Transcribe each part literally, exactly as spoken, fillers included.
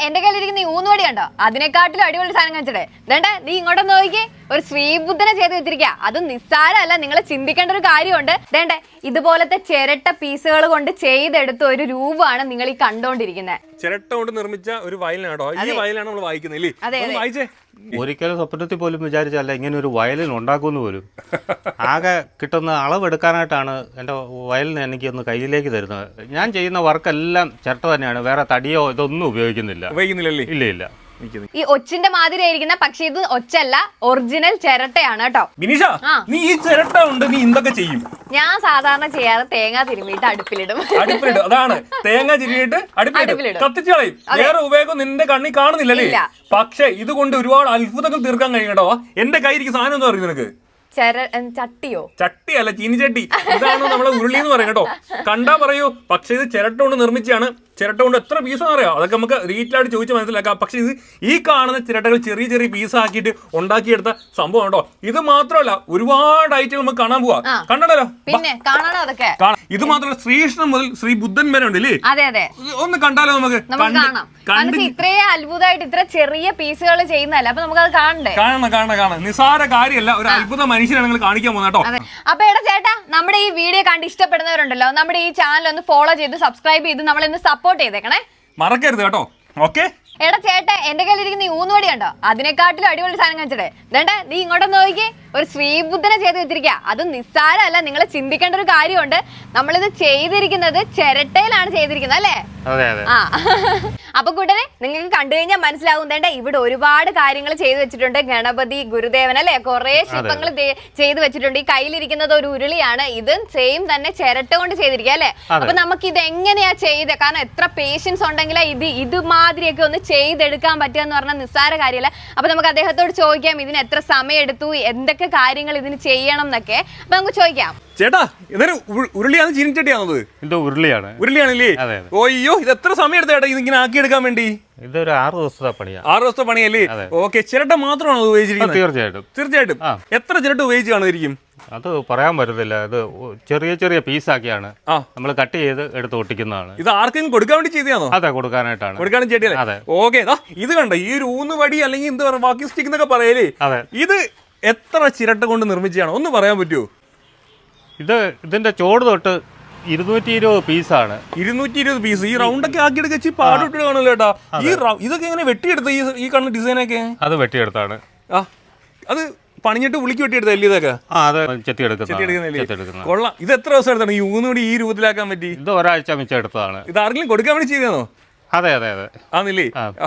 എന്റെ കയ്യിലിരിക്കുന്ന ഈ ഊന്നുവടി ഉണ്ടോ അതിനെക്കാട്ടിലും അടിപൊളി സാധനം കാണിച്ചേ. വേണ്ട നീ ഇങ്ങോട്ടൊന്ന് നോക്കി, ഒരു ശ്രീബുദ്ധനെ ചെയ്ത് വെച്ചിരിക്കുക. അത് നിസ്സാരമല്ല, നിങ്ങൾ ചിന്തിക്കേണ്ട ഒരു കാര്യമുണ്ട്. വേണ്ടേ ഇതുപോലത്തെ ചിരട്ട പീസുകൾ കൊണ്ട് ചെയ്തെടുത്ത ഒരു രൂപമാണ് നിങ്ങൾ ഈ കണ്ടോണ്ടിരിക്കുന്നത്. ചിരട്ട കൊണ്ട് നിർമ്മിച്ച ഒരു വയലിനാണോ ഈ വയലാണ് നമ്മൾ വായിക്കുന്നത്. വായിച്ചേ, ഒരിക്കലും സ്വപ്നത്തിൽ പോലും വിചാരിച്ചല്ല ഇങ്ങനെ ഒരു വയലിൻ ഉണ്ടാക്കുമെന്ന് പോലും. ആകെ കിട്ടുന്ന അളവെടുക്കാനായിട്ടാണ് എൻ്റെ വയലിന് എനിക്ക് ഒന്ന് കയ്യിലേക്ക് തരുന്നത്. ഞാൻ ചെയ്യുന്ന വർക്കെല്ലാം ചിരട്ട തന്നെയാണ്, വേറെ തടിയോ ഇതൊന്നും ഉപയോഗിക്കുന്നില്ല. ഉപയോഗിക്കുന്നില്ലല്ലേ? ഇല്ല ഇല്ല. ഈ ഒച്ചിന്റെ മാതിരി ആയിരിക്കുന്ന, പക്ഷെ ഇത് ഒച്ചല്ല, ഒറിജിനൽ ചിരട്ടയാണ് കേട്ടോ. ബിനീഷ, നീ ഈ ചിരട്ട ഉണ്ട് നീ എന്തൊക്കെ ചെയ്യും? ഞാൻ സാധാരണ ചെയ്യാറ് തേങ്ങ തിരുമിയിട്ട് അടുപ്പിലിടും. അടുപ്പിലിടും, അതാണ് തേങ്ങ തിരിയിട്ട് അടുപ്പിലിടും, കത്തിച്ചു കളയും. വേറെ ഉപയോഗം നിന്റെ കണ്ണിൽ കാണുന്നില്ലല്ലേ? പക്ഷെ ഇതുകൊണ്ട് ഒരുപാട് അത്ഭുതങ്ങൾ തീർക്കാൻ കഴിയും കേട്ടോ. എന്റെ കയ്യിരിക്കുന്ന സാധനം എന്ന് പറയും നിനക്ക് ചട്ടിയോ? ചട്ടിയല്ല, ചീനിച്ചട്ടി. ഇതാണ് നമ്മളെ ഉരുളി എന്ന് പറയും കേട്ടോ. കണ്ടാ പറയൂ, പക്ഷെ ഇത് ചിരട്ട കൊണ്ട് നിർമ്മിച്ചാണ്. ചിരട്ട കൊണ്ട് എത്ര പീസാണെന്ന് അറിയാം, അതൊക്കെ നമുക്ക് ഡീറ്റെയിലായിട്ട് ചോദിച്ച് മനസ്സിലാക്കാം. പക്ഷെ ഇത് ഈ കാണുന്ന ചിരട്ടകൾ ചെറിയ ചെറിയ പീസാക്കിയിട്ട് ഉണ്ടാക്കിയെടുത്ത സംഭവം കേട്ടോ. ഇത് മാത്രമല്ല, ഒരുപാട് ഐറ്റം നമുക്ക് കാണാൻ പോവാ. കണ്ടല്ലോ, പിന്നെ കാണാനോ അതൊക്കെ. ഇത് മാത്രമല്ല, ശ്രീകൃഷ്ണൻ മുതൽ ശ്രീ ബുദ്ധൻ വരെ ഉണ്ടല്ലേ? അതെ അതെ, ഒന്ന് കണ്ടാലോ നമുക്ക്? ഇത്രയും അത്ഭുതമായിട്ട് ഇത്ര ചെറിയ പീസുകൾ ചെയ്യുന്നതല്ല, അപ്പൊ നമുക്ക് അത് കാണണ്ടേ? കാണണം കാണണം കാണണം. നിസാര കാര്യമല്ല, ഒരു അത്ഭുത മനുഷ്യനാണ് നിങ്ങൾ കാണിക്കാൻ പോകുന്നത് കേട്ടോ. അപ്പൊ എടാ ചേട്ടാ, നമ്മുടെ ഈ വീഡിയോ കണ്ട് ഇഷ്ടപ്പെടുന്നവരുണ്ടല്ലോ, നമ്മുടെ ഈ ചാനൽ ഒന്ന് ഫോളോ ചെയ്ത് സബ്സ്ക്രൈബ് ചെയ്ത് നമ്മളൊന്ന് സപ്പോർട്ട് ചെയ്തേക്കണേ, മറക്കരുത് കേട്ടോ. ഓക്കെ. എടാ ചേട്ടാ, എന്റെ കയ്യിലിരിക്കുന്ന ഈ ഊന്നുവടി ഉണ്ടോ അതിനെക്കാട്ടിലും അടിപൊളി സാധനം കാണിച്ചേ. വേണ്ട നീ ഇങ്ങോട്ടൊന്ന് നോക്കി, ഒരു ശ്രീബുദ്ധനെ ചെയ്ത് വെച്ചിരിക്കുക. അത് നിസ്സാരമല്ല, നിങ്ങൾ ചിന്തിക്കേണ്ട ഒരു കാര്യമുണ്ട്. നമ്മളിത് ചെയ്തിരിക്കുന്നത് ചിരട്ടയിലാണ് ചെയ്തിരിക്കുന്നത് അല്ലേ? ആ അപ്പൊ കൂട്ടരെ, നിങ്ങൾക്ക് കണ്ടു കഴിഞ്ഞാൽ മനസ്സിലാവും. വേണ്ട ഇവിടെ ഒരുപാട് കാര്യങ്ങൾ ചെയ്തു വെച്ചിട്ടുണ്ട്. ഗണപതി, ഗുരുദേവൻ അല്ലെ, കുറെ ശില്പങ്ങൾ ചെയ്തു വെച്ചിട്ടുണ്ട്. ഈ കയ്യിലിരിക്കുന്നത് ഒരു ഉരുളിയാണ്. ഇത് സെയിം തന്നെ ചിരട്ട കൊണ്ട് ചെയ്തിരിക്കുക അല്ലെ? അപ്പൊ നമുക്ക് ഇത് എങ്ങനെയാ ചെയ്ത്, കാരണം എത്ര പേഷ്യൻസ് ഉണ്ടെങ്കിലാ ഇത് ഇതുമാതിരിയൊക്കെ ഒന്ന് ചെയ്തെടുക്കാൻ പറ്റുക എന്ന് പറഞ്ഞാൽ നിസ്സാര കാര്യമല്ല. അപ്പൊ നമുക്ക് അദ്ദേഹത്തോട് ചോദിക്കാം, ഇതിന് എത്ര സമയം എടുത്തു, എന്തൊക്കെ കാര്യങ്ങൾ ഇതിന് ചെയ്യണം എന്നൊക്കെ. അപ്പൊ നമുക്ക് ചോദിക്കാം. ചേട്ടാ, ഇതൊരു ഉരുളിയാണ്, ചീനിച്ചട്ടിയാണത്? ഇത് ഉരുളിയാണ്. ഉരുളിയാണല്ലേ? ഓയ്യോ, ഇത് എത്ര സമയം എടുത്ത ചേട്ടാ ഇതിങ്ങനെ ആക്കിയെടുക്കാൻ വേണ്ടി? ഇതൊരു ആറ് ദിവസത്തെ പണിയാണ്. ആറ് ദിവസത്തെ പണിയല്ലേ? ഓക്കെ. ചിരട്ട മാത്രമാണോ അത് ഉപയോഗിച്ചിരിക്കുന്നത്? തീർച്ചയായിട്ടും തീർച്ചയായിട്ടും. എത്ര ചിരട്ട ഉപയോഗിച്ച് കാണുമായിരിക്കും? അത് പറയാൻ പറ്റത്തില്ല. അത് ചെറിയ ചെറിയ പീസാക്കിയാണ് നമ്മൾ കട്ട് ചെയ്ത് എടുത്ത് ഒട്ടിക്കുന്നതാണ്. ഇത് ആർക്കും കൊടുക്കാൻ വേണ്ടി ചെയ്തതാണോ? അതെ, കൊടുക്കാനായിട്ടാണ്. കൊടുക്കാനും ചേട്ടിയല്ലേ? ഓക്കെ. ഇത് കണ്ടോ, ഈ ഒരു ഊന്ന് വടി അല്ലെങ്കിൽ എന്താ പറയുക, വാക്കി സ്റ്റിക്ക് എന്നൊക്കെ പറയല്ലേ? അതെ. ഇത് എത്ര ചിരട്ട കൊണ്ട് നിർമ്മിച്ചാണ്, ഒന്ന് പറയാൻ പറ്റുമോ? ഇത് ഇതിന്റെ ചോട് തൊട്ട് ഇരുന്നൂറ്റി ഇരുപത് പീസാണ്. ഇരുന്നൂറ്റി ഇരുപത് പീസ് ഈ റൗണ്ടൊക്കെ ആക്കിയെടുക്ക പാടിട്ട് കാണുമല്ലോ ചേട്ടാ. ഈ ഇതൊക്കെ എങ്ങനെ വെട്ടിയെടുത്ത ഈ ഈ കാണുന്ന ഡിസൈനൊക്കെ? അത് വെട്ടിയെടുത്താണ്. ആ, അത് പണിഞ്ഞിട്ട് ഉളിക്ക് വെട്ടിയെടുത്തല്ലേ ഇതൊക്കെ? ആ, അത് ചെത്തിയെടുക്കുന്ന. കൊള്ളാം. ഇത് എത്ര ദിവസം എടുത്താണ് ഈ ഊന്നുകൂടി ഈ രൂപത്തിലാക്കാൻ പറ്റി? ഇത് ഒരാഴ്ച മിച്ചം എടുത്തതാണ്. ഇത് ആർക്കെങ്കിലും കൊടുക്കാൻ വേണ്ടി ചെയ്തതാണോ? അതെ അതെ അതെ. ആന്നില്ലേ?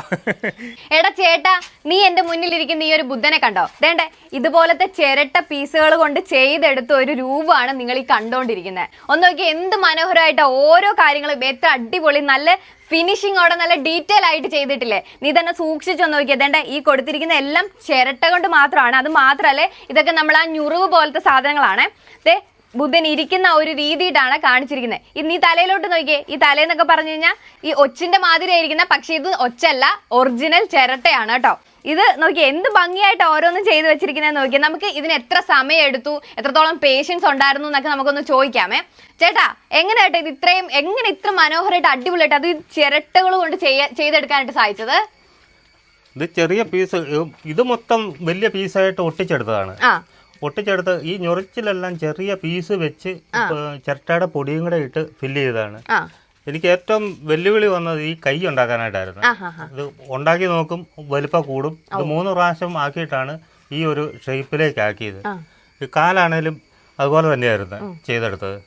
എടാ ചേട്ടാ, നീ എന്റെ മുന്നിലിരിക്കുന്ന ഈ ഒരു ബുദ്ധനെ കണ്ടോ? വേണ്ടേ ഇതുപോലത്തെ ചിരട്ട പീസുകൾ കൊണ്ട് ചെയ്തെടുത്ത ഒരു രൂപമാണ് നിങ്ങൾ ഈ കണ്ടോണ്ടിരിക്കുന്നത്. ഒന്ന് നോക്കി, എന്ത് മനോഹരമായിട്ടാ ഓരോ കാര്യങ്ങളും, എത്ര അടിപൊളി, നല്ല ഫിനിഷിങ്ങോടെ നല്ല ഡീറ്റെയിൽ ആയിട്ട് ചെയ്തിട്ടില്ലേ? നീ തന്നെ സൂക്ഷിച്ചൊന്ന് നോക്കിയാൽ വേണ്ട, ഈ കൊടുത്തിരിക്കുന്ന എല്ലാം ചിരട്ട കൊണ്ട് മാത്രമാണ്. അത് മാത്രമല്ലേ, ഇതൊക്കെ നമ്മൾ ആ ഞുറിവ് പോലത്തെ സാധനങ്ങളാണ്. ദേ ബുദ്ധൻ ഇരിക്കുന്ന ഒരു രീതിയിട്ടാണ് കാണിച്ചിരിക്കുന്നത്. ഇത് നീ തലയിലോട്ട് നോക്കിയേ. ഈ തലേന്നൊക്കെ പറഞ്ഞു കഴിഞ്ഞാൽ ഈ ഒച്ചിന്റെ മാതിരി ആയിരിക്കുന്ന, പക്ഷെ ഇത് ഒച്ചല്ല, ഒറിജിനൽ ചിരട്ടയാണ് കേട്ടോ. ഇത് നോക്കി എന്ത് ഭംഗിയായിട്ട് ഓരോന്നും ചെയ്ത് വെച്ചിരിക്കുന്നത് നോക്കിയാൽ. നമുക്ക് ഇതിന് എത്ര സമയം എടുത്തു, എത്രത്തോളം പേഷ്യൻസ് ഉണ്ടായിരുന്നു എന്നൊക്കെ നമുക്കൊന്ന് ചോദിക്കാമേ. ചേട്ടാ, എങ്ങനെ കേട്ടോ ഇത് ഇത്രയും എങ്ങനെ ഇത്ര മനോഹരമായിട്ട് അടിപൊളിയായിട്ട് അത് ചിരട്ടകൾ കൊണ്ട് ചെയ്യാ ചെയ്തെടുക്കാനായിട്ട് സാധിച്ചത്? ഇത് ചെറിയ പീസ്, ഇത് മൊത്തം വലിയ പീസായിട്ട് ഒട്ടിച്ചെടുത്തതാണ്. ഒട്ടിച്ചെടുത്ത് ഈ ഞൊറിച്ചിലെല്ലാം ചെറിയ പീസ് വെച്ച് ചിരട്ടയുടെ പൊടിയും കൂടെ ഇട്ട് ഫില്ല് ചെയ്തതാണ്. എനിക്ക് ഏറ്റവും വെല്ലുവിളി വന്നത് ഈ കൈ ഉണ്ടാക്കാനായിട്ടായിരുന്നു. ഇത് ഉണ്ടാക്കി നോക്കും, വലിപ്പം കൂടും. ഇത് മൂന്ന് പ്രാവശ്യം ആക്കിയിട്ടാണ് ഈ ഒരു ഷേപ്പിലേക്ക് ആക്കിയത്. ഈ കാലാണേലും അതുപോലെ തന്നെയായിരുന്നു ചെയ്തെടുത്തത്.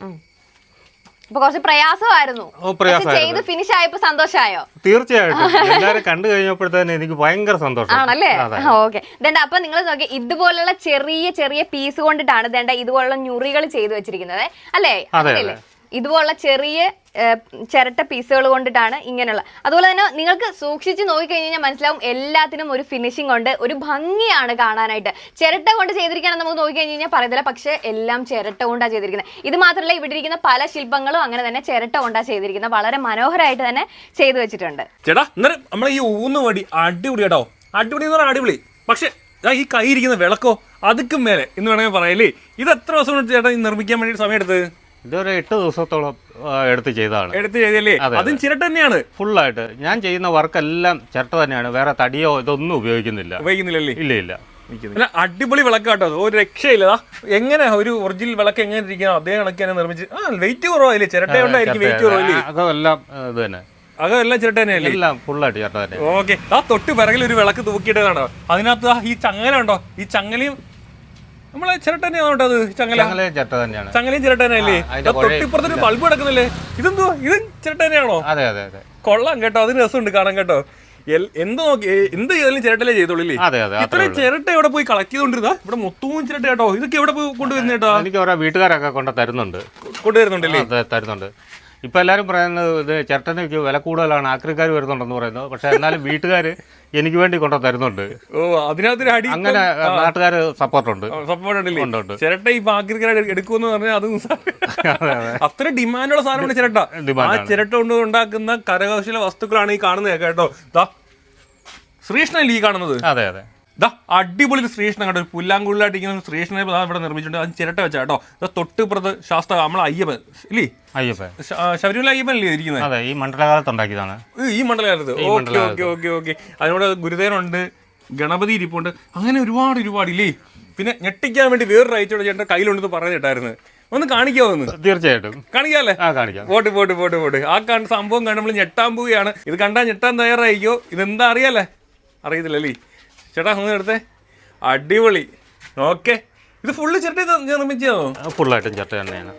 കുറച്ച് പ്രയാസമായിരുന്നു. ചെയ്ത് ഫിനിഷ് ആയപ്പോ സന്തോഷമായോ? തീർച്ചയായിട്ടും. എല്ലാരും കണ്ടു കഴിഞ്ഞപ്പോഴത്തേന് എനിക്ക് ഭയങ്കര സന്തോഷം ആണല്ലേ? ഓക്കെ. ദണ്ട അപ്പൊ നിങ്ങൾ നോക്കി, ഇതുപോലുള്ള ചെറിയ ചെറിയ പീസ് കൊണ്ടിട്ടാണ് ദണ്ട ഇതുപോലുള്ള ഞുറികൾ ചെയ്തു വെച്ചിരിക്കുന്നത് അല്ലേ? അല്ലേ? ഇതുപോലുള്ള ചെറിയ ചിരട്ട പീസുകൾ കൊണ്ടിട്ടാണ് ഇങ്ങനെയുള്ള. അതുപോലെ തന്നെ നിങ്ങൾക്ക് സൂക്ഷിച്ച് നോക്കിക്കഴിഞ്ഞാൽ മനസ്സിലാവും, എല്ലാത്തിനും ഒരു ഫിനിഷിംഗ് ഉണ്ട്, ഒരു ഭംഗിയാണ് കാണാനായിട്ട്. ചിരട്ട കൊണ്ട് ചെയ്തിരിക്കുകയാണെന്ന് നമുക്ക് നോക്കിക്കഴിഞ്ഞ് കഴിഞ്ഞാൽ പറയത്തില്ല, പക്ഷെ എല്ലാം ചിരട്ട കൊണ്ടാണ് ചെയ്തിരിക്കുന്നത്. ഇത് മാത്രമല്ല, ഇവിടെ ഇരിക്കുന്ന പല ശില്പങ്ങളും അങ്ങനെ തന്നെ ചിരട്ട കൊണ്ടാണ് ചെയ്തിരിക്കുന്നത്. വളരെ മനോഹരമായിട്ട് തന്നെ ചെയ്തു വെച്ചിട്ടുണ്ട്. ചേട്ടാ, നമ്മളെ ഈ ഊന്നുവടി അടിപൊളി കേട്ടോ. അടിപൊളി എന്ന് പറഞ്ഞാൽ അടിപൊളി. പക്ഷെ ഈ കൈ ഇരിക്കുന്ന വിളക്കോ അതുക്കും മേലെ എന്ന് വേണമെങ്കിൽ പറയല്ലേ. ഇത് എത്ര ദിവസം കൊണ്ട് ചേട്ടാ നിർമ്മിക്കാൻ വേണ്ടി സമയം എടുത്തത്? ഇതൊരു എട്ട് ദിവസത്തോളം ആ, എടുത്ത് ചെയ്തതാണ്. എടുത്ത് ചെയ്തല്ലേ? അതും ചിരട്ട തന്നെയാണ് ഫുള്ളായിട്ട്. ഞാൻ ചെയ്യുന്ന വർക്കെല്ലാം ചിരട്ട തന്നെയാണ്, വേറെ തടിയോ ഇതൊന്നും ഉപയോഗിക്കുന്നില്ല. ഉപയോഗിക്കുന്നില്ലല്ലേ? ഇല്ല ഇല്ല. അടിപൊളി വിളക്കാട്ടോ, ഒരു രക്ഷയില്ല. എങ്ങനെ ഒരു ഒറിജിനൽ വിളക്ക് എങ്ങനെ ഇരിക്കണം അതേ കണക്ക് തന്നെ നിർമ്മിച്ച്. ആ വെയിറ്റ് കുറവായില്ലേ? ചിരട്ട കൊണ്ടായിരിക്കും വെയിറ്റ് കുറവില്ലേ? അതെല്ലാം ഇത് തന്നെ, അതെല്ലാം ചിരട്ട തന്നെയല്ലേ? എല്ലാം ഫുള്ളായിട്ട് ചിരട്ട തന്നെ. ഓക്കെ. ആ തൊട്ട് പിറകിൽ ഒരു വിളക്ക് തൂക്കിയിട്ടതാണോ? അതിനകത്ത് ഈ ചങ്ങല ഉണ്ടോ? ഈ ചങ്ങലയും നമ്മളെ ചിരട്ട തന്നെയാണോ അത്? ചങ്ങല ചിരട്ട തന്നെയാണ്. ചങ്ങലയും ചിരട്ട തന്നെയല്ലേ? തൊട്ടിപ്പുറത്തൊരു ബൾബ് കിടക്കുന്നില്ലേ? ഇതെന്തോ ഇതും ചിരട്ട തന്നെയാണോ? അതെ അതെ അതെ. കൊള്ളാം കേട്ടോ, അതിന് രസമുണ്ട് കാണാൻ കേട്ടോ. എന്ത് നോക്കി എന്ത് ചെയ്താലും ചിരട്ടല്ലേ ചെയ്തോളൂ. ഇത്രയും ചിരട്ട എവിടെ പോയി കളക്ട് ചെയ്തോണ്ടിരുന്ന? ഇവിടെ മൊത്തവും ചിരട്ട കേട്ടോ. ഇതൊക്കെ എവിടെ പോയി കൊണ്ടുവരുന്ന കേട്ടോ? എനിക്ക് ഓരോ വീട്ടുകാരൊക്കെ കൊണ്ട് തരുന്നുണ്ട്. കൊണ്ടുവരുന്നുണ്ടല്ലേ? തരുന്നുണ്ട്. ഇപ്പൊ എല്ലാരും പറയുന്നത് ഇത് ചിരട്ടനക്ക് വില കൂടുതലാണ്, ആക്രിക്കാർ വരുന്നുണ്ടെന്ന് പറയുന്നു. പക്ഷെ എന്നാലും വീട്ടുകാർ എനിക്ക് വേണ്ടി കൊണ്ടു തരുന്നുണ്ട്. ഓ, അതിനകത്തൊരു അടി. അങ്ങനെ നാട്ടുകാർ സപ്പോർട്ടുണ്ട്. സപ്പോർട്ട് ഉണ്ടല്ലേ? ചിരട്ട ഈ ആക്രിക്കാർ എടുക്കുമെന്ന് പറഞ്ഞാൽ അത് അത്ര ഡിമാൻഡുള്ള സാധനമാണ് ചിരട്ട. ആ ചിരട്ട കൊണ്ട് ഉണ്ടാക്കുന്ന കരകൗശല വസ്തുക്കളാണ് ഈ കാണുന്നത് കേട്ടോ. ശ്രീകൃഷ്ണല്ലേ ഈ കാണുന്നത്? അതെ അതെ. ദാ അടിപൊളി ഒരു ശ്രീകൃഷ്ണൻ കേട്ടോ, ഒരു പുല്ലാങ്കുള്ളിലായിട്ട് ഇങ്ങനെ ശ്രീകൃഷ്ണനെ ഇവിടെ നിർമ്മിച്ചിട്ടുണ്ട്. അത് ചിരട്ട വെച്ചാ കേട്ടോ. തൊട്ട് പുറത്ത് ശാസ്ത്ര നമ്മളെ അയ്യപ്പൻ ഇല്ലേ? അയ്യപ്പൻ, ശബരിമല അയ്യപ്പൻ അല്ലേ ഇരിക്കുന്നത്? അതെ, ഈ മണ്ഡലകാലത്ത് ഉണ്ടാക്കിയതാണ്. ഈ മണ്ഡലകാലത്ത്. Okay okay okay okay. അതിനോട് ഗുരുദേവനുണ്ട്, ഗണപതി ഇരിപ്പുണ്ട്, അങ്ങനെ ഒരുപാട് ഒരുപാട് ഇല്ലേ? പിന്നെ ഞെട്ടിക്കാൻ വേണ്ടി വേറൊരു അയച്ചോടെ ചേട്ടൻ കയ്യിലുണ്ടെന്ന് പറഞ്ഞു കേട്ടായിരുന്നു. ഒന്ന് കാണിക്കാവോ? ഒന്ന് തീർച്ചയായിട്ടും കാണിക്കാല്ലേ? Pot pot pot pot. ആ കണ്ട സംഭവം കണ്ട് നമ്മൾ ഞെട്ടാൻ പോവുകയാണ്. ഇത് കണ്ടാൽ ഞെട്ടാൻ തയ്യാറായിക്കോ? ഇതെന്താ അറിയാലേ? അറിയത്തില്ലല്ലേ? ചേട്ടാ ഒന്ന് എടുത്തേ. അടിപൊളി. ഓക്കെ. ഇത് ഫുള്ള് ചിരട്ട നിർമ്മിച്ചോ? ഫുള്ളായിട്ടും ചിരട്ട തന്നെയാണ്.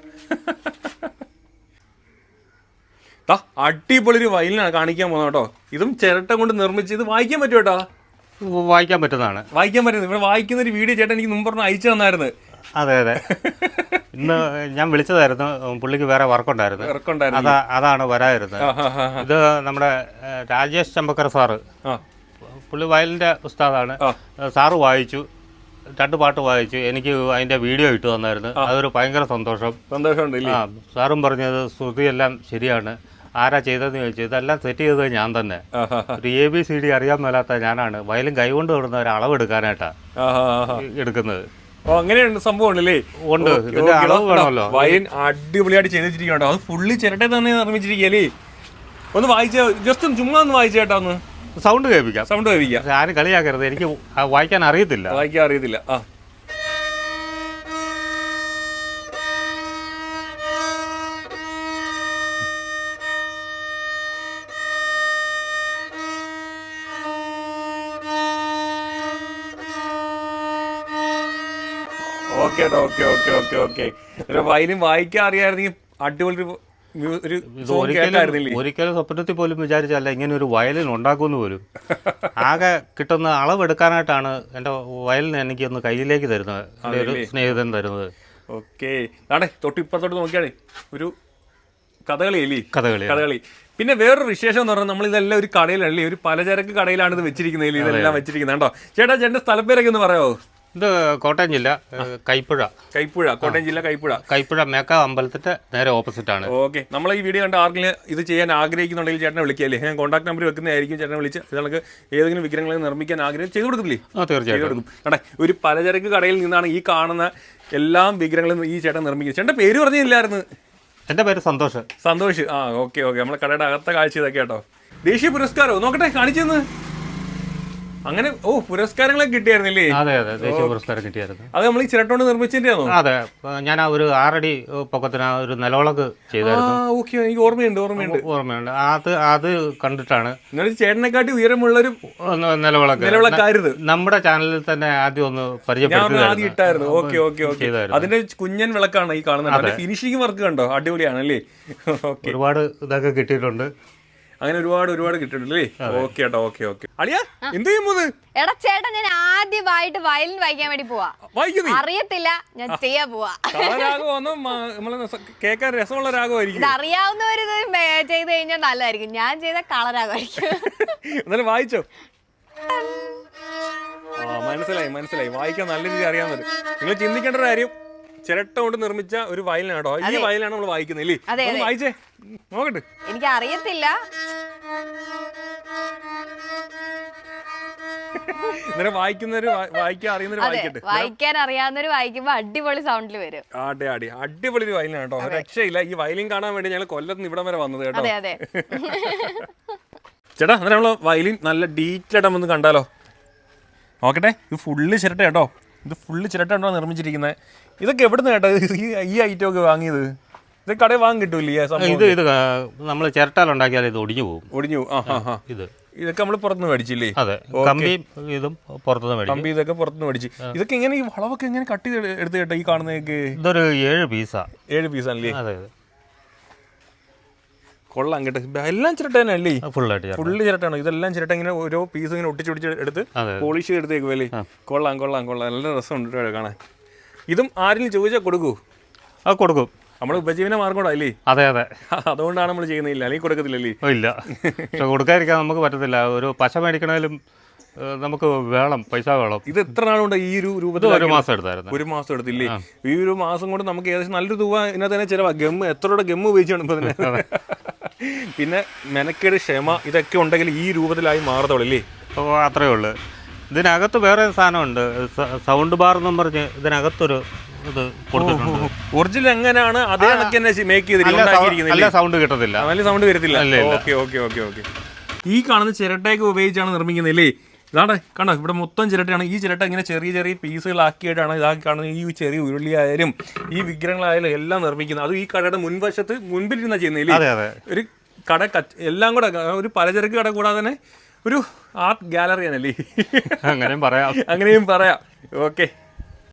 അടിപൊളി ഒരു വയലിനാണ് കാണിക്കാൻ പോകുന്നത് കേട്ടോ. ഇതും ചിരട്ട കൊണ്ട് നിർമ്മിച്ച് ഇത് വായിക്കാൻ പറ്റും കേട്ടോ. വായിക്കാൻ പറ്റുന്നതാണ്. വായിക്കാൻ പറ്റുന്നത്. ഇവിടെ വായിക്കുന്ന ഒരു വീഡിയോ ചേട്ടൻ എനിക്ക് മുമ്പ് പറഞ്ഞ് അയച്ചു തന്നായിരുന്നു. അതെ അതെ. ഇന്ന് ഞാൻ വിളിച്ചതായിരുന്നു, പുള്ളിക്ക് വേറെ വർക്കുണ്ടായിരുന്നു. വർക്കുണ്ടായിരുന്നു. അതാണ് വരാതിരുന്നത്. ഇത് നമ്മുടെ രാജേഷ് ചമ്പക്കർ സാറ്, പുള്ളി വയലിൻ്റെ ഉസ്താദാണ്. സാറ് വായിച്ചു, രണ്ട് പാട്ട് വായിച്ചു, എനിക്ക് അതിൻ്റെ വീഡിയോ ഇട്ട് തന്നായിരുന്നു. അതൊരു ഭയങ്കര സന്തോഷം. സന്തോഷമുണ്ട്. ആ, സാറും പറഞ്ഞത് ശ്രുതിയെല്ലാം ശരിയാണ്, ആരാ ചെയ്തതെന്ന് ചോദിച്ചു. ഇതെല്ലാം സെറ്റ് ചെയ്തത് ഞാൻ തന്നെ. ഒരു എ ബി സി ഡി അറിയാൻ മേലാത്ത ഞാനാണ് വയലും കൈകൊണ്ട് വിടുന്ന ഒരു അളവെടുക്കാനായിട്ടാ എടുക്കുന്നത്. ഓ, അങ്ങനെയുണ്ട് സംഭവം ഉണ്ടല്ലേ? ഉണ്ട്. ഇതിന്റെ അളവ് വേണമല്ലോ. വയലിൻ അടിപൊളിയായിട്ട് ചെയ്തിരിക്കണ്ടോ. അത് ഫുള്ളി ചിരട്ട തന്നെ നിർമ്മിച്ചിരിക്കല്ലേ? ഒന്ന് വായിച്ച ജസ്റ്റ് ഒന്ന് ചുമ്മാ ഒന്ന് വായിച്ചു കേട്ടോ. ഒന്ന് സൗണ്ട് കേൾപ്പിക്കാം. സൗണ്ട് കേൾപ്പിക്കാം. ആരും കളിയാക്കരുത്, എനിക്ക് വായിക്കാൻ അറിയത്തില്ല. വായിക്കാൻ അറിയത്തില്ല. ആ, okay okay okay okay okay. ഒരു വയലിൻ വായിക്കാൻ അറിയാമായിരുന്നെങ്കിൽ അടിപൊളി ഒരു ഒരിക്കലും സ്വപ്നത്തിൽ പോലും വിചാരിച്ചല്ല ഇങ്ങനെ ഒരു വയലിൻ ഉണ്ടാക്കുമെന്ന് പോലും. ആകെ കിട്ടുന്ന അളവെടുക്കാനായിട്ടാണ് എൻ്റെ വയലിന് എനിക്ക് ഒന്ന് കയ്യിലേക്ക് തരുന്നത്, എൻ്റെ ഒരു സ്നേഹിതൻ തരുന്നത്. ഓക്കെ. ആണേ തൊട്ടിപ്പുറത്തോട്ട് നോക്കിയാണേ ഒരു കഥകളി അല്ലേ? കഥകളി കഥകളി. പിന്നെ വേറൊരു വിശേഷം എന്ന് പറഞ്ഞാൽ നമ്മൾ ഇതെല്ലാം ഒരു കടയിലല്ലേ, ഒരു പലചരക്ക് കടയിലാണ് ഇത് വെച്ചിരിക്കുന്നത്. ഇതെല്ലാം വെച്ചിരിക്കുന്നത് കേട്ടോ. ചേട്ടാ ചേട്ടൻ്റെ സ്ഥലപ്പേരൊക്കെ ഒന്ന് പറയാമോ? ഇത് കോട്ടയം ജില്ല കൈപ്പുഴ. കൈപ്പുഴ കോട്ടയം ജില്ല കൈപ്പുഴ. കൈപ്പുഴ മേക്കാവ് അമ്പലത്തിന്റെ നേരെ ഓപ്പോസിറ്റ് ആണ്. ഓക്കെ. നമ്മൾ ഈ വീഡിയോ കണ്ട ആർക്കെങ്കിലും ഇത് ചെയ്യാൻ ആഗ്രഹിക്കുന്നുണ്ടെങ്കിൽ ചേട്ടനെ വിളിക്കല്ലേ? ഞാൻ കോൺടാക്ട് നമ്പർ വെക്കുന്നതായിരിക്കും. ചേട്ടനെ വിളിച്ച് ഇതൊക്കെ ഏതെങ്കിലും വിഗ്രഹങ്ങൾ നിർമ്മിക്കാൻ ആഗ്രഹം ചെയ്തു കൊടുക്കില്ലേ? തീർച്ചയായും കൊടുക്കും. കേട്ടെ, ഒരു പലചരക്ക് കടയിൽ നിന്നാണ് ഈ കാണുന്ന എല്ലാ വിഗ്രഹങ്ങളും ഈ ചേട്ടൻ നിർമ്മിക്കുന്നത്. ചേട്ടൻ്റെ പേര് പറഞ്ഞില്ലായിരുന്നു? എൻ്റെ പേര് സന്തോഷ്. സന്തോഷ്. ആ, ഓക്കെ ഓക്കെ. നമ്മളെ കടയുടെ അകത്ത കാഴ്ച ഇതൊക്കെ കേട്ടോ. ദേശീയ പുരസ്കാരോ? നോക്കട്ടെ, കാണിച്ചെന്ന്. അങ്ങനെ ഓ, പുരസ്കാരങ്ങളൊക്കെ കിട്ടിയായിരുന്നില്ലേ? അതെ അതെ, ദേശീയ പുരസ്കാരം കിട്ടിയായിരുന്നു. അത് നമ്മൾ ഈ ചിരട്ടോണ്ട് നിർമ്മിച്ചതിന്റെയാണോ? അതെ, ഞാൻ ആ ഒരു ആറടി പൊക്കത്തിന് ഒരു നിലവിളക്ക് ചെയ്തായിരുന്നു. ഓക്കെ, എനിക്ക് ഓർമ്മയുണ്ട് ഓർമ്മയുണ്ട് ഓർമ്മയുണ്ട് അത് അത് കണ്ടിട്ടാണ്. നിങ്ങൾ ചേട്ടനെക്കാട്ടി ഉയരമുള്ളൊരു നിലവിളക്ക് നിലവിളക്കായിരുന്നു. നമ്മുടെ ചാനലിൽ തന്നെ ആദ്യം ഒന്ന് പരിചയപ്പെടുത്തി. Okay okay okay. അതിന്റെ കുഞ്ഞൻ വിളക്കാണ് ഈ കാണുന്നത്. ഫിനിഷിംഗ് വർക്ക് കണ്ടോ? അടിപൊളിയാണല്ലേ? ഒരുപാട് ഇതൊക്കെ കിട്ടിയിട്ടുണ്ട്. അങ്ങനെ ഒരുപാട് ഒരുപാട് കിട്ടിയിട്ടുണ്ട്. ഓക്കെ കേട്ടോ. Okay okay. അളിയാ എന്ത് ചെയ്യുമ്പോ? എടാ ചേട്ടാ, ഞാൻ ആദ്യമായിട്ട് വയലിൻ വായിക്കാൻ വേണ്ടി പോവാ. അറിയത്തില്ല, ഞാൻ ചെയ്യാ പോവാ. രാഗമൊന്നും നമ്മള് കേൾക്കാൻ രസമുള്ള രാഗമായിരിക്കും. ഇത് അറിയാവുന്നവര് ഇത് ചെയ്ത് കഴിഞ്ഞാൽ നല്ലതായിരിക്കും. ഞാൻ ചെയ്ത കളരാഗമായിരിക്കും. എന്നാലും വായിച്ചോ? ആ, മനസ്സിലായി മനസ്സിലായി. വായിക്കാൻ നല്ല രീതിയിൽ അറിയാവുന്നത്. നിങ്ങൾ ചിന്തിക്കേണ്ട ഒരു കാര്യം, ചിരട്ട കൊണ്ട് നിർമ്മിച്ച ഒരു വയലിനാട്ടോ. ഈ വയലിനാണ് നമ്മൾ വായിക്കുന്നത് ഇല്ലേ? വായിച്ചേ നോക്കട്ടെ. എനിക്ക് അറിയത്തില്ല. ഇന്നലെ വായിക്കുന്നവര് വായിക്കാൻ അറിയുന്നവര് വായിക്കട്ടെ. വായിക്കാൻ അറിയാവുന്നവര് വായിക്കുമ്പോ അടിപൊളി സൗണ്ടിൽ വരും. ആടെ ആടി അടിപൊളി ഒരു വയലിനാണ് കേട്ടോ, രക്ഷയില്ല. ഈ വയലിൻ കാണാൻ വേണ്ടി ഞങ്ങൾ കൊല്ലത്ത് നിന്ന് ഇവിടം വരെ വന്നത് കേട്ടോ. അതെ അതെ. ചേട്ടാ അന്നേരം നമ്മള് വയലിൻ നല്ല ഡീറ്റെയിൽ ആയിട്ട് ഒന്ന് കണ്ടാലോ? നോക്കട്ടെ, ഇത് ഫുള്ള് ചിരട്ട കേട്ടോ, ഇത് ഫുള്ള് ചിരട്ട ഉണ്ടോ നിർമ്മിച്ചിരിക്കുന്നത്. ഇതൊക്കെ എവിടുന്ന് കേട്ടോ ഈ ഐറ്റം ഒക്കെ വാങ്ങിയത്? ഇത് കടയിൽ വാങ്ങി കിട്ടൂല്ലേ? ഇത് ഇത് നമ്മൾ ചിരട്ടാലുണ്ടാക്കിയാൽ ഇത് ഒടിഞ്ഞു പോകും. ഒടിഞ്ഞു. ആ ഇത് ഇതൊക്കെ നമ്മൾ പുറത്തുനിന്ന് മേടിച്ചില്ലേ? അതെ, കമ്പിയും ഇതും പുറത്തുനിന്ന് മേടിച്ചു. കമ്പി ഇതൊക്കെ പുറത്തുനിന്ന് മേടിച്ചു. ഇതൊക്കെ എങ്ങനെ ഈ വളവൊക്കെ എങ്ങനെ കട്ട് ചെയ്ത് എടുത്ത് കേട്ടോ? ഈ കാണുന്നതൊക്കെ ഇതൊരു ഏഴ് പീസാ. ഏഴ് പീസാണല്ലേ? അതെ അതെ, കൊള്ളാം കേട്ടോ. എല്ലാം ചിരട്ട തന്നെ അല്ലേ? ഫുള്ളായിട്ട് ഫുള്ള് ചിരട്ടാണ്. ഇതെല്ലാം ചിരട്ട ഇങ്ങനെ ഓരോ പീസ് ഇങ്ങനെ ഒട്ടിച്ച് ഒടിച്ച് എടുത്ത് പോളിഷ് എടുത്തേക്കുമല്ലേ? കൊള്ളാം കൊള്ളാം കൊള്ളാം, നല്ല രസമുണ്ട് കാണാൻ. ഇതും ആരെങ്കിലും ചോദിച്ചാൽ കൊടുക്കൂ? ആ കൊടുക്കും, നമ്മൾ ഉപജീവന മാർഗം അല്ലേ? അതെ അതെ, അതുകൊണ്ടാണ് നമ്മൾ ചെയ്യുന്നില്ല, അല്ലെങ്കിൽ കൊടുക്കത്തില്ലല്ലേ? ഇല്ല, പക്ഷെ കൊടുക്കാതിരിക്കാൻ നമുക്ക് പറ്റത്തില്ല. ഒരു പശ മേടിക്കണേലും നമുക്ക് വേണം, പൈസ വേണം. ഇത് എത്ര നാളുണ്ട് ഈ ഒരു രൂപത്തിൽ? ഒരു മാസം എടുത്തായിരുന്നു. ഒരു മാസം എടുത്തില്ലേ? ഈ ഒരു മാസം കൊണ്ട് നമുക്ക് ഏകദേശം നല്ലൊരു രൂപ ഇതിനകത്ത് തന്നെ ചിലവാ. ഗമ്മ് എത്ര രൂപ ഗമ്മ് ഉപയോഗിച്ചാണ് ഇപ്പൊ തന്നെ. പിന്നെ മെനക്കേട്, ക്ഷമ, ഇതൊക്കെ ഉണ്ടെങ്കിൽ ഈ രൂപത്തിലായി മാറത്തുള്ളൂ. അപ്പോൾ അത്രയേ ഉള്ളൂ. ഇതിനകത്ത് വേറെ സാധനമുണ്ട്, സൗണ്ട് ബാർ എന്നും പറഞ്ഞ് ഇതിനകത്തൊരു ഇത് കൊടുത്തിട്ടുണ്ട്. ഒറിജിനൽ എങ്ങനെയാണ് അതേ കണക്ക് തന്നെ മേക്ക് ചെയ്തിരിക്കുന്നത്. നല്ല സൗണ്ട് കിട്ടത്തില്ല, നല്ല സൗണ്ട് വരത്തില്ല. Okay okay okay okay. ഈ കാണുന്ന ചിരട്ടയൊക്കെ ഉപയോഗിച്ചാണ് നിർമ്മിക്കുന്നില്ലേ? ഇതാണ് കണ്ടോ, ഇവിടെ മൊത്തം ചിരട്ടയാണ്. ഈ ചിരട്ട ഇങ്ങനെ ചെറിയ ചെറിയ പീസുകളാക്കിയിട്ടാണ് ഇതാക്കി കാണുന്നത്. ഈ ചെറിയ ഉരുളിയായാലും ഈ വിഗ്രഹങ്ങളായാലും എല്ലാം നിർമ്മിക്കുന്നത്. അത് ഈ കടയുടെ മുൻവശത്ത് മുൻപിലിരുന്ന ചെയ്യുന്നില്ലേ? ഒരു കട എല്ലാം കൂടെ ഒരു പലചരക്ക് കട കൂടാതെ തന്നെ ഒരു ആർട്ട് ഗാലറി ആണല്ലേ? അങ്ങനെയും പറയാം, അങ്ങനെയും പറയാം. ഓക്കെ.